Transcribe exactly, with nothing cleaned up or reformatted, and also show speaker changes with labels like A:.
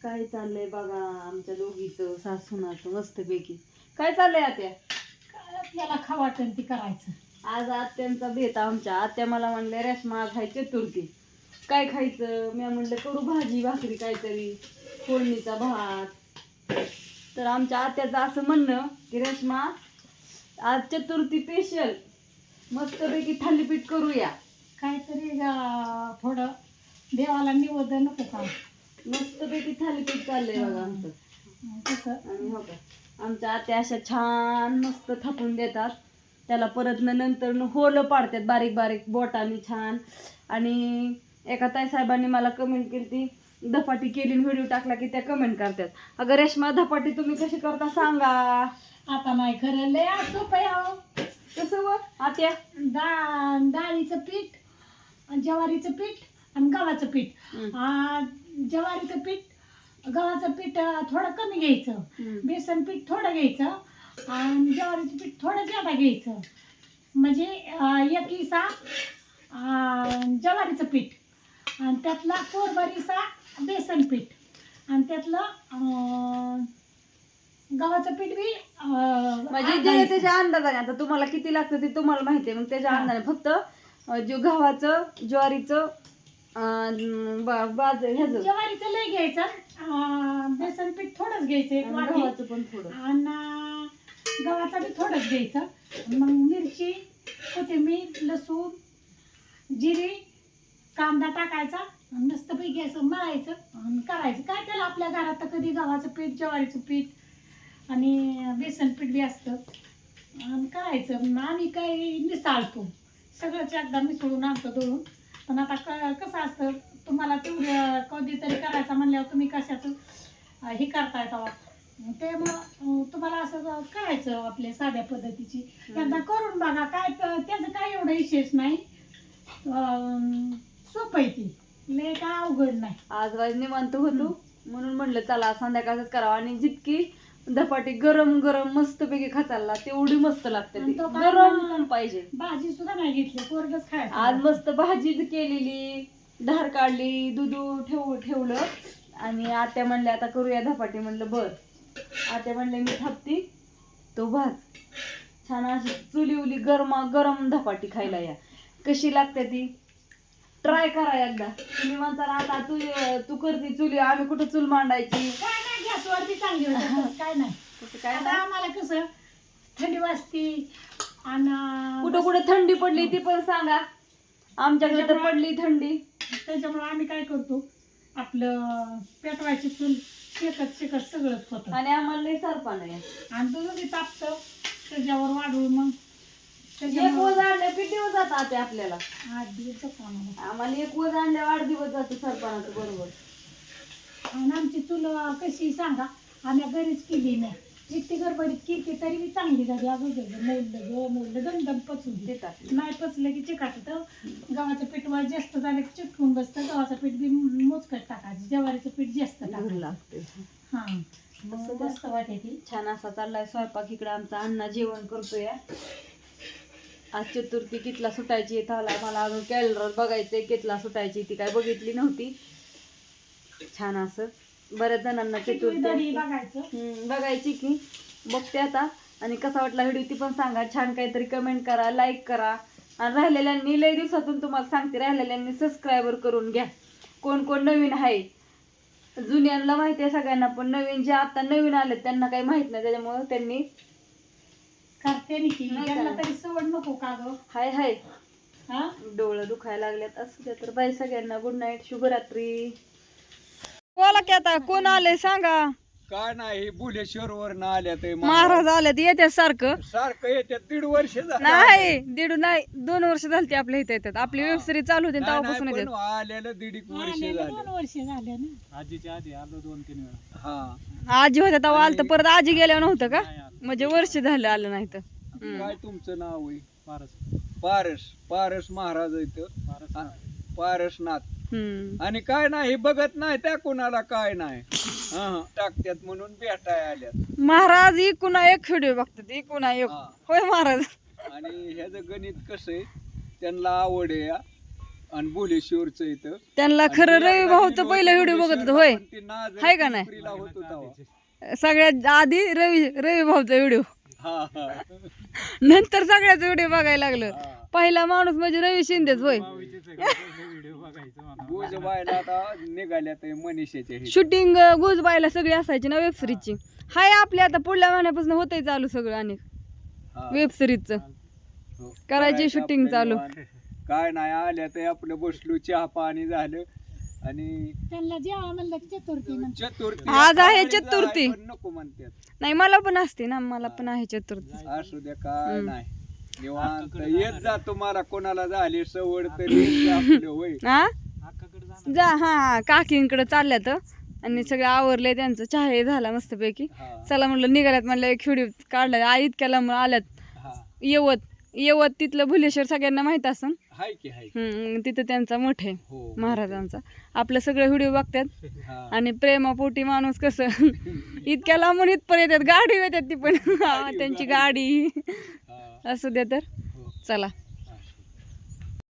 A: काय चाललंय बघा आमच्या दोघीचं सासूनाचं मस्तपैकी. काय चाललंय आत्या?
B: काय आपल्याला खा वाटेल ती करायचं.
A: आज आत्यांचा भेट आमच्या. आत्या मला म्हणले रेश्मा आज आहे चतुर्थी, काय खायचं? मी म्हणलं करू भाजी भाकरी काहीतरी, फोडणीचा भात. तर आमच्या आत्याचं असं म्हणणं की रेश्मा आज चतुर्थी स्पेशल मस्तपैकी थालीपीठ करूया.
B: काहीतरी अं, थोडं देवाला निवेद नको का?
A: मस्तपैकी थालीपीठ चाललंय बघा आमचं.
B: कसं
A: आणि हो का आमच्या आत्या अशा छान मस्त थापून देतात, त्याला परत न नंतर न होलं पाडतात बारीक बारीक बोटाने छान. आणि एका ताई साहेबांनी मला कमेंट केली ती धपाटी केली व्हिडिओ टाकला की त्या कमेंट करतात, अगं रेश्मा धपाटी तुम्ही कशी करता सांगा.
B: आता नाही खरं लय सोपं आहे अहो.
A: कसं व आत्या?
B: डा डाळीचं पीठ, ज्वारीचं पीठ आणि गव्हाचं पीठ.
A: हम्म.
B: आ, ज्वारीचं पीठ गव्हाचं पीठ अं, थोडं कमी घ्यायचं,
A: हम्म.
B: बेसन पीठ थोडं घ्यायचं आणि ज्वारीचं पीठ थोडं जादा घ्यायचं. म्हणजे अं, एक हिस्सा अं, ज्वारीचं पीठ आणि त्यातला कोरभरीचा बेसन पीठ आणि त्यातलं अं, गव्हाचं पीठ बी अं,
A: म्हणजे
B: अर्धा
A: जे
B: हिस्सा.
A: त्याच्या अंदाजाने, आता तुम्हाला किती लागतं ते तुम्हाला माहिती आहे, मग त्याच्या
B: हा.
A: अंदाजाने फक्त अं, जो गव्हाचं ज्वारीचं अं, बा- बाज ह्याचं
B: ज्वारीचं लय घ्यायचं, अं, बेसन पीठ थोडंच घ्यायचं एक
A: आणि
B: वाटी
A: गव्हाचं पण थोडं.
B: आणि गव्हाचं बी थोडंच घ्यायचं. मग मिरची, कोथिंबीर, लसूण, जिरे, कांदा टाकायचा आणि मस्तपैकी असं मळायचं आणि करायचं. काय त्याला आपल्या घरात तर कधी गव्हाचं पीठ, ज्वारीचं पीठ आणि बेसन पीठ बी असतं आणि करायचं. मग आम्ही काही मिसळतो, सगळंच एकदा मिसळून आणतो दळून. पण आता क कसं असतं, तुम्हाला तेवढं कधीतरी करायचं म्हणल्यावर तुम्ही कशाचं अं, हे करताय तेव्हा त्यामुळं अं, तुम्हाला असं करायचं आपल्या साध्या पद्धतीची. एकदा करून बघा, काय त- त्याचं काय एवढं विशेष नाही, अं, सोपं आहे ती, लय काय अवघड नाही.
A: आज वाज निवांत होतो म्हणून म्हणलं चला संध्याकाळच करावं. आणि जितकी धपाटी गरम गरम मस्तपैकी खाताला तेवढी मस्त लागते
B: आणि
A: ती.
B: तो काय
A: गरम
B: मग-
A: पण पाहिजे.
B: भाजी सुद्धा नाही घेतली, पोरगच खायचं.
A: आज मस्त भाजी केलेली, धार काढली, दूध ठेव ठेवलं आणि आत्या म्हणले आता करूया धपाटी. म्हणलं बर. आत्या म्हणले मी थापती तो भात. छान अशी चुली उली गरमा गरम धपाटी खायला या. कशी लागते ती ट्राय करा एकदा. तुम्ही म्हणता ना आता तू तू करते चुली, आम्ही कुठं चूल मांडायची.
B: काय नाही, गॅसवरती चांगली होते, काय नाही.
A: कुठं काय
B: आता
A: नाही.
B: आम्हाला कसं थंडी वाजती आणि
A: कुठं कुठं थंडी पडली ती पण सांगा. आमच्याकडे तर पडली थंडी.
B: त्याच्यामुळे आम्ही काय करतो, आपलं पेटवायची चूल शेकत शेकत सगळंच होतं.
A: आणि आम्हाला लई सरपण आहे.
B: आणि दूध बी तापतं त्याच्यावर वाढवून मग
A: एक
B: त्याच्यामुळं
A: वज आणल्या किती दिवस जातं आता आपल्याला?
B: आठ दिवस जातो आम्हाला.
A: आम्हाला एक वज आणल्या आठ दिवस जातं सरपणाचं बरोबर.
B: आणि आमची चूल कशी सांगा, आम्ही घरीच केली नाही, इतकी गडबडीत केली तरी बी चांगली झाली. अगं मोडलं ग मोडलं दमदम पचून दे.
A: देतात.
B: नाही पचलं की चिकाट तर गव्हाचं पीठ वा जास्त झालं की चिटकून बसतं. गव्हाचं पीठ बी मोजकट टाकायचं, ज्वारीचं पीठ जास्त
A: धूर
B: टाकायचं.
A: लागते.
B: हा मग मस्त वाटते ती.
A: छान असा चाललाय स्वयंपाक. इकडे आमचा अण्णा जेवण करतोय. आज चतुर्थी कितला सुटायची थाला मला अजून कॅलेंडर बघायचंय कितला सुटायची, ती काय बघितली नव्हती. छान असं बऱ्याच जणांना चतुर्थी
B: तरी
A: असते.
B: बघायचं.
A: हम्म, बघायची की बघते आता. आणि कसा वाटला व्हिडिओ ती पण सांगा. छान काहीतरी कमेंट करा, लाईक करा. आणि राहिलेल्यांनी लय दिवसातून तुम्हाला सांगते, राहिलेल्यांनी सबस्क्रायबर करून घ्या. कोण कोण नवीन आहे, जुन्यांना माहिती आहे सगळ्यांना, पण नवीन जे आता नवीन आले त्यांना काही माहित नाही, त्याच्यामुळे त्यांनी
B: करते नी की
A: नाही
B: त्यांना
A: करा.
B: तरी सवड नको का ग.
A: हाय हाय
B: हा
A: डोळं दुखायला लागल्यात. असू द्या तर बाय सगळ्यांना. गुड नाईट, शुभरात्री. बोला की आता कोण आले सांगा.
C: काय नाही, बुलेश्वर वर आल्या ते
A: महाराज आल्यात येत्या सारखं.
C: सारखं येतात. दीड वर्ष झालं.
A: नाही दीड नाही दोन वर्ष झाली आपल्या इथे येतात. आपली
C: हा.
A: वेब सिरीज चालू होती
C: नाही,
A: तेव्हापासून
C: नाही,
A: येतात.
C: पण आलेलं दीड एक वर्ष
B: आलेलं
C: झालं.
B: दोन वर्ष झाले ना.
C: आजीच्या आधी आलो दोन तीन वेळा. हा
A: आजी होत्या तेव्हा आलं तर
C: आणि-
A: परत आजी गेल्यावर नव्हतं का? म्हणजे वर्ष झालं आलं नाही तर. हम्म.
C: काय तुमचं नाव आहे? पारस. पारस पारस महाराज इथं पारसनाथ.
A: हम्म.
C: आणि काय नाही, हे बघत नाही त्या कोणाला काय नाही. हा टाकत्यात म्हणून भेटाय आल्यात.
A: महाराज इकुणा एक व्हिडिओ बघतात, इकुणा एक.
C: हा.
A: होय महाराज.
C: आणि ह्याचं गणित कसं आहे, त्यांना आवड आहे. हा. आणि भुलेश्वरचं इथं
A: त्यांना खरं रवी भाऊचं पहिलं व्हिडिओ बघत होतो होय हाय का नाही? सगळ्यात आधी रवी रवी भाऊचा व्हिडिओ, नंतर सगळ्याच व्हिडिओ बघायला लागलं. पहिला माणूस म्हणजे रवी शिंदेच होय.
C: निघाल्यात मनीषाच्या
A: शूटिंग गुजबायला सगळी असायची ना वेब सिरीजची. हाय आपल्या आता पुढल्या महिन्यापासून होतंय चालू सगळं अनेक वेब सिरीजचं करायची शूटिंग चालू.
C: काय नाही आल्या तर आपलं बसलो, चहा पाणी झालं आणि
B: त्यांना जेव्हा म्हणलं की चतुर्थी म्हणतात.
C: चतुर्थी
A: आज आहे
C: आज
A: चतुर्थी.
C: पण नको म्हणतात.
A: नाही मला पण असते ना, मला पण आहे चतुर्थी.
C: असू द्या काय
A: हम्म.
C: नाही निवांत येत जा. तुम्हाला कोणाला झाली सवड तरी येत जा आपलं होय.
A: हा जा हा हा काकींकडे चालल्यात आणि सगळं आवरलंय त्यांचं, चहा हे झाला मस्तपैकी.
C: हा,
A: चला म्हणलं निघाल्यात, म्हणलं एक व्हिडिओ काढलाय. आई इतक्या लांब आल्यात.
C: हा.
A: येवत येवत तिथलं भुलेश्वर सगळ्यांना माहित असन.
C: हाय की हाय.
A: हम्म, तिथं त्यांचा मठ आहे
C: हो
A: महाराजांचा. आपलं सगळं व्हिडिओ बघतात
C: हा.
A: आणि प्रेमापोटी माणूस कसं इतक्या लांबून इथपर्यंत येतात, गाडी येतात ती पण हा, त्यांची गाडी
C: हा.
A: असू द्या तर.
C: हो.
A: चला